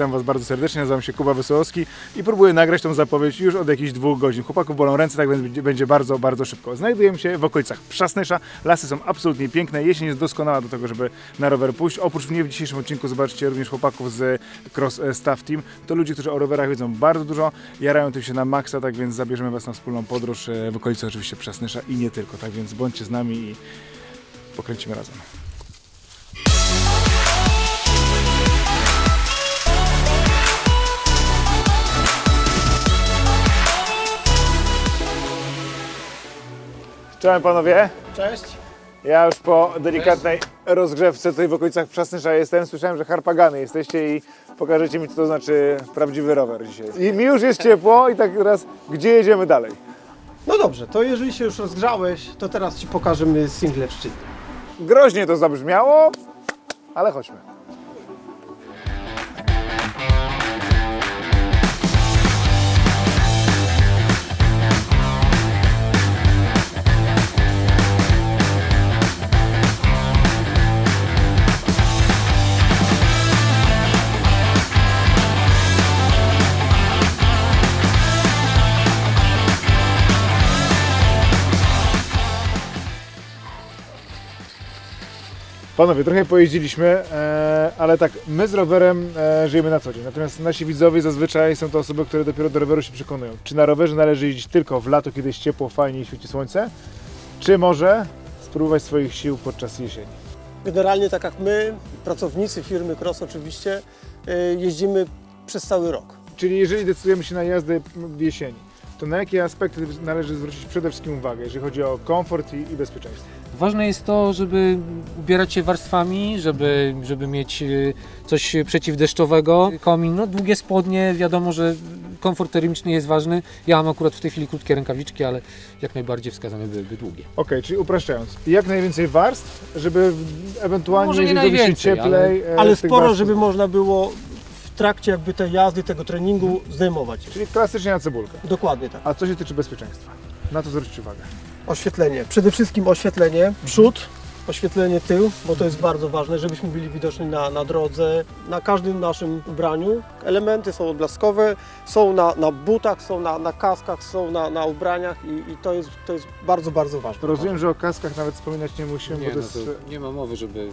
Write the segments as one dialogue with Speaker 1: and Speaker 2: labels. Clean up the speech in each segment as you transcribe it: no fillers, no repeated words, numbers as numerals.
Speaker 1: witam Was bardzo serdecznie, nazywam się Kuba Wesołowski i próbuję nagrać tą zapowiedź już od jakichś 2 godzin. Chłopaków bolą ręce, tak więc będzie bardzo, bardzo szybko. Znajdujemy się w okolicach Przasnysza, lasy są absolutnie piękne, jesień jest doskonała do tego, żeby na rower pójść. Oprócz mnie w dzisiejszym odcinku zobaczcie również chłopaków z Cross Staff Team. To ludzie, którzy o rowerach wiedzą bardzo dużo, jarają tym się na maksa, tak więc zabierzemy Was na wspólną podróż w okolicy oczywiście Przasnysza i nie tylko, tak więc bądźcie z nami i pokręcimy razem. Cześć panowie.
Speaker 2: Cześć.
Speaker 1: Ja już po delikatnej rozgrzewce tutaj w okolicach Przasnysza jestem. Słyszałem, że harpagany jesteście i pokażecie mi, co to znaczy prawdziwy rower dzisiaj. I mi już jest ciepło i tak teraz, gdzie jedziemy dalej?
Speaker 2: No dobrze, to jeżeli się już rozgrzałeś, to teraz Ci pokażemy single w szczycie.
Speaker 1: Groźnie to zabrzmiało, ale chodźmy. Panowie, trochę pojeździliśmy, ale tak, my z rowerem żyjemy na co dzień. Natomiast nasi widzowie zazwyczaj są to osoby, które dopiero do roweru się przekonują. Czy na rowerze należy jeździć tylko w lato, kiedy jest ciepło, fajnie i świeci słońce? Czy może spróbować swoich sił podczas jesieni?
Speaker 2: Generalnie tak jak my, pracownicy firmy Cross oczywiście, jeździmy przez cały rok.
Speaker 1: Czyli jeżeli decydujemy się na jazdę w jesieni, to na jakie aspekty należy zwrócić przede wszystkim uwagę, jeżeli chodzi o komfort i bezpieczeństwo?
Speaker 3: Ważne jest to, żeby ubierać się warstwami, żeby mieć coś przeciwdeszczowego. Komin, no długie spodnie, wiadomo, że komfort termiczny jest ważny. Ja mam akurat w tej chwili krótkie rękawiczki, ale jak najbardziej wskazane byłyby długie.
Speaker 1: Okej, czyli upraszczając, jak najwięcej warstw, żeby ewentualnie,
Speaker 3: Może nie
Speaker 1: jeżeli zrobi się
Speaker 3: najwięcej,
Speaker 1: cieplej...
Speaker 2: Ale
Speaker 1: z tych
Speaker 2: sporo,
Speaker 1: warstw-
Speaker 2: żeby można było w trakcie jakby tej jazdy, tego treningu zdejmować.
Speaker 1: Czyli klasycznie na cebulkę.
Speaker 2: Dokładnie tak.
Speaker 1: A co się tyczy bezpieczeństwa? Na to zwróćcie uwagę.
Speaker 2: Oświetlenie. Przede wszystkim oświetlenie przód, oświetlenie tył, bo to jest bardzo ważne, żebyśmy byli widoczni na drodze, na każdym naszym ubraniu. Elementy są odblaskowe, są na butach, są na kaskach, są na ubraniach i to jest bardzo, bardzo ważne.
Speaker 1: Rozumiem, że o kaskach nawet wspominać nie musimy,
Speaker 3: Nie,
Speaker 1: bo to
Speaker 3: no
Speaker 1: jest
Speaker 3: to nie ma mowy, żeby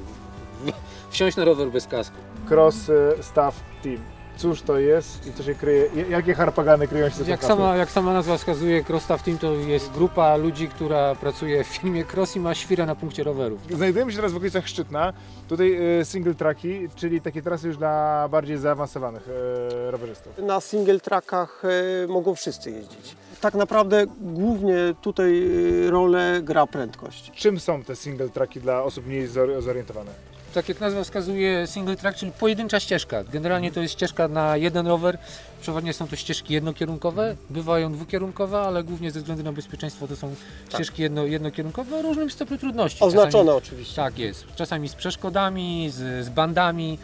Speaker 3: wsiąść na rower bez kasku.
Speaker 1: Cross Staff Team. Cóż to jest i co się kryje? Jakie harpagany kryją się za
Speaker 3: Jak sama nazwa wskazuje, Cross Staff Team to jest grupa ludzi, która pracuje w firmie Cross i ma świrę na punkcie rowerów.
Speaker 1: Znajdujemy się teraz w okolicach Szczytna. Tutaj single tracki, czyli takie trasy już dla bardziej zaawansowanych rowerzystów.
Speaker 2: Na single trackach mogą wszyscy jeździć. Tak naprawdę głównie tutaj rolę gra prędkość.
Speaker 1: Czym są te single tracki dla osób mniej zorientowanych?
Speaker 3: Tak jak nazwa wskazuje, single track, czyli pojedyncza ścieżka. Generalnie to jest ścieżka na jeden rower. Przeważnie są to ścieżki jednokierunkowe, bywają dwukierunkowe, ale głównie ze względu na bezpieczeństwo to są ścieżki jednokierunkowe o różnym stopniu trudności.
Speaker 2: Oznaczone oczywiście.
Speaker 3: Tak jest. Czasami z przeszkodami, z bandami.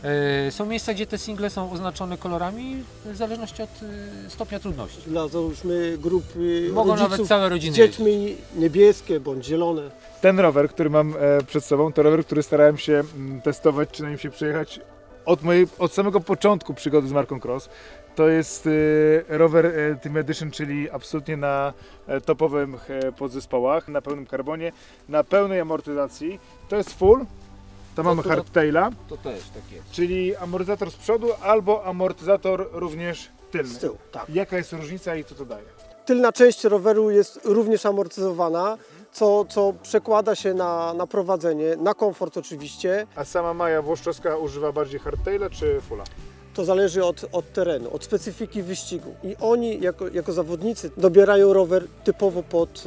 Speaker 3: Są miejsca, gdzie te single są oznaczone kolorami w zależności od stopnia trudności.
Speaker 2: Dla załóżmy grupy
Speaker 3: Mogą
Speaker 2: rodziców
Speaker 3: nawet całe
Speaker 2: z
Speaker 3: rodziny
Speaker 2: dziećmi niebieskie bądź zielone.
Speaker 1: Ten rower, który mam przed sobą, to rower, który starałem się testować, czy na nim się przejechać od samego początku przygody z marką Cross. To jest rower Team Edition, czyli absolutnie na topowych podzespołach, na pełnym karbonie, na pełnej amortyzacji. To jest full, to mamy hardtaila,
Speaker 3: To też tak jest.
Speaker 1: czyli amortyzator z przodu albo amortyzator również tylny.
Speaker 2: Z tyłu, tak.
Speaker 1: Jaka jest różnica i co to daje?
Speaker 2: Tylna część roweru jest również amortyzowana, co przekłada się na prowadzenie, na komfort oczywiście.
Speaker 1: A sama Maja Włoszczowska używa bardziej hardtaila czy fulla?
Speaker 2: To zależy od terenu, od specyfiki wyścigu. I oni jako zawodnicy dobierają rower typowo pod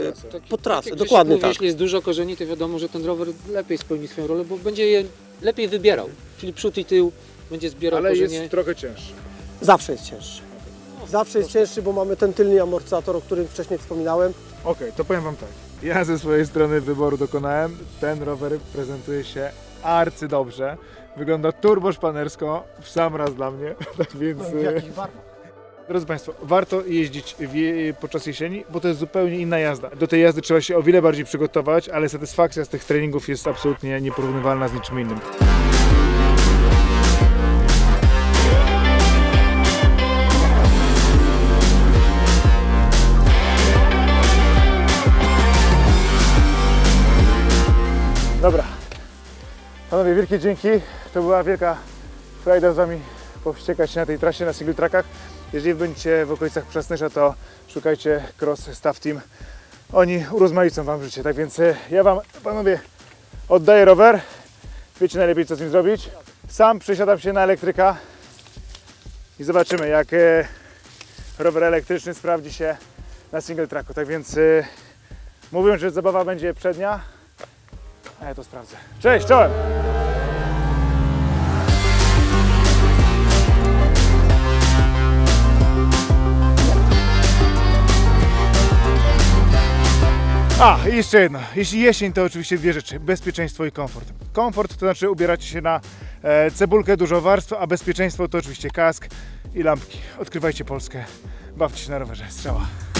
Speaker 2: trasę.
Speaker 3: Jak
Speaker 2: Dokładnie
Speaker 3: mówi,
Speaker 2: tak.
Speaker 3: Jeśli jest dużo korzeni, to wiadomo, że ten rower lepiej spełni swoją rolę, bo będzie je lepiej wybierał. Czyli przód i tył będzie zbierał
Speaker 1: Ale
Speaker 3: korzenie.
Speaker 1: jest trochę cięższy.
Speaker 2: Zawsze jest cięższy. Zawsze jest cięższy, bo mamy ten tylny amortyzator, o którym wcześniej wspominałem.
Speaker 1: Okej, to powiem Wam tak. Ja ze swojej strony wyboru dokonałem. Ten rower prezentuje się arcydobrze. Wygląda turbo szpanersko, w sam raz dla mnie. Tak więc,
Speaker 2: W jakichś barwach.
Speaker 1: drodzy Państwo, warto jeździć podczas jesieni, bo to jest zupełnie inna jazda. Do tej jazdy trzeba się o wiele bardziej przygotować, ale satysfakcja z tych treningów jest absolutnie nieporównywalna z niczym innym. Panowie, wielkie dzięki. To była wielka frajda z Wami powściekać się na tej trasie, na single trackach. Jeżeli będziecie w okolicach Przasnysza, to szukajcie Cross Staff Team. Oni urozmaicą Wam życie. Tak więc ja Wam, panowie, oddaję rower. Wiecie najlepiej, co z nim zrobić. Sam przesiadam się na elektryka i zobaczymy, jak rower elektryczny sprawdzi się na single tracku. Tak więc mówią, że zabawa będzie przednia, a ja to sprawdzę. Cześć, czołem! A, i jeszcze jedno. Jeśli jesień, to oczywiście dwie rzeczy. Bezpieczeństwo i komfort. Komfort to znaczy ubieracie się na cebulkę, dużo warstw, a bezpieczeństwo to oczywiście kask i lampki. Odkrywajcie Polskę, bawcie się na rowerze. Strzała.